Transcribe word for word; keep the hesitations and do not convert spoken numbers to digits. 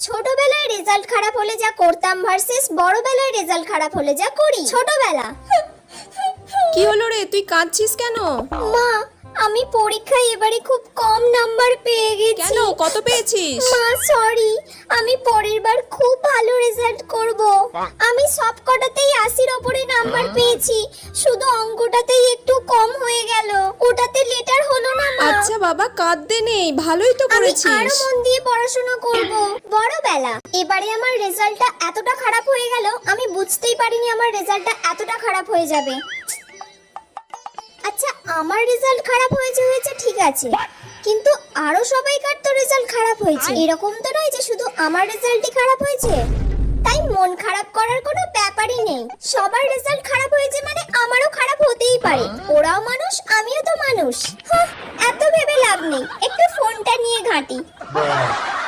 ছোটবেলায় রেজাল্ট খারাপ হলে যা করতাম ভার্সেস বড়বেলায় রেজাল্ট খারাপ হলে যা করি। ছোটবেলা। কি হলো রে, তুই কাঁদছিস কেন? মা, আমি পরীক্ষায় এবারে খুব কম নাম্বার পেয়ে গেছি। কেন, কত পেয়েছিস? মা সরি, আমি পরের বার খুব ভালো রেজাল্ট করব। আমি সব কটাতেই আশির উপরে নাম্বার পেয়েছি, শুধু অঙ্কটাতেই একটু কম হয়ে গেল। ওটাতে লেটার হলো না মা। আচ্ছা বাবা, কাঁদতে নেই, ভালোই তো আমি করেছিস। আরো মন দিয়ে পড়াশোনা করব। বড়বেলা। এবারে আমার রেজাল্টটা এতটা খারাপ হয়ে গেল, আমি বুঝতেই পারিনি আমার রেজাল্টটা এতটা খারাপ হয়ে যাবে। আচ্ছা, আমার রেজাল্ট খারাপ হয়েছে হয়েছে ঠিক আছে, কিন্তু আরো সবাইকার তো রেজাল্ট খারাপ হয়েছে। এরকম তো নয় যে শুধু আমার রেজাল্টই খারাপ হয়েছে। তাই মন খারাপ করার কোনো ব্যাপারই নেই। সবার রেজাল্ট খারাপ হয়েছে মানে আমারও খারাপ হতেই পারে। ওরাও মানুষ, আমিও তো মানুষ। হাহ, এত ভেবে লাভ নেই, একটু ফোনটা নিয়ে ঘাঁটি।